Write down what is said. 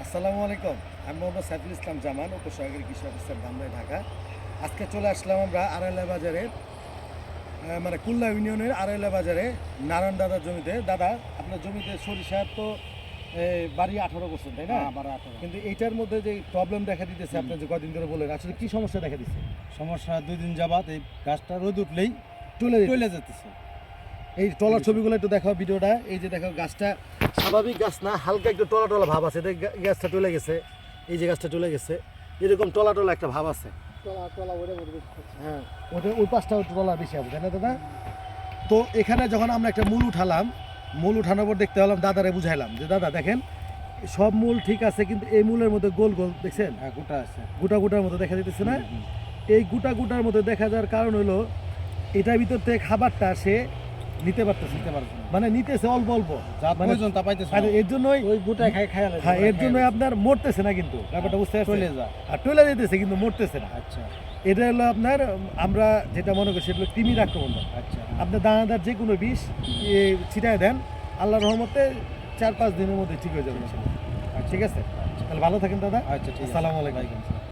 আসসালামু আলাইকুম। আমি মোহাম্মদ সাইফুল ইসলাম জামান, উপসহকারী কৃষি অফিসার ধামরাই, ঢাকা। আজকে চলে আসলাম আমরা আড়াইলা বাজারে, মানে কুল্লা ইউনিয়নের আড়াইলা বাজারে নারায়ণ দাদার জমিতে। দাদা, আপনার জমিতে সরিষার তো বাড়ি 18 বছর, তাই না? কিন্তু এইটার মধ্যে যে প্রবলেম দেখা দিতেছে, আপনি যে কদিন ধরে বলেন, আসলে কি সমস্যা দেখা দিচ্ছে? সমস্যা 2 দিন যাবাত এই গাছটা রোদ উঠলেই চলে যেতেছে। এই টলার ছবিগুলো একটু দেখাও, ভিডিওটা। এই যে দেখো, গাছটা স্বাভাবিক গাছ না, হালকা একটু টলা টলা ভাব আছে। গাছটা চলে গেছে, এই যে গাছটা চলে গেছে, এরকম টলা টলা একটা ভাব আছে। হ্যাঁ, ওটা ওই পাশটা টলা বেশি হবে, তাই না দাদা? তো এখানে যখন আমরা একটা মূল উঠালাম, মূল উঠানোর পর দেখতে পেলাম, দাদারে বুঝাইলাম যে দাদা দেখেন, সব মূল ঠিক আছে, কিন্তু এই মূলের মধ্যে গোল গোল দেখছেন, হ্যাঁ, গোটা আছে, গোটা গোটার মতো দেখা দিতেছে না? এই গোটা গোটার মধ্যে দেখা যাওয়ার কারণ হলো এটার ভিতর থেকে খাবারটা সে নিতে পারতেছে, মানে নিতেছে অল্প অল্প, প্রয়োজন তা পাইতেছে। আর এর জন্যই ওই গোটায় হ্যাঁ, এর জন্য আপনার মরতেছে না, কিন্তু ব্যাপারটা বুঝতে পারছেন? চলে যায় আর টলে যেতেছে, কিন্তু মরতেছে না। আচ্ছা এটা হলো আপনার, আমরা যেটা মনে করি সেটা হলো কৃমির আক্রমণ। আচ্ছা, আপনার দানাদার যে কোনো বিষ ছিটায় দেন, আল্লাহর রহমতে 4-5 দিনের মধ্যে ঠিক হয়ে যাবে। ঠিক আছে, তাহলে ভালো থাকেন দাদা। আচ্ছা, ঠিক আছে। আসসালামু আলাইকুম।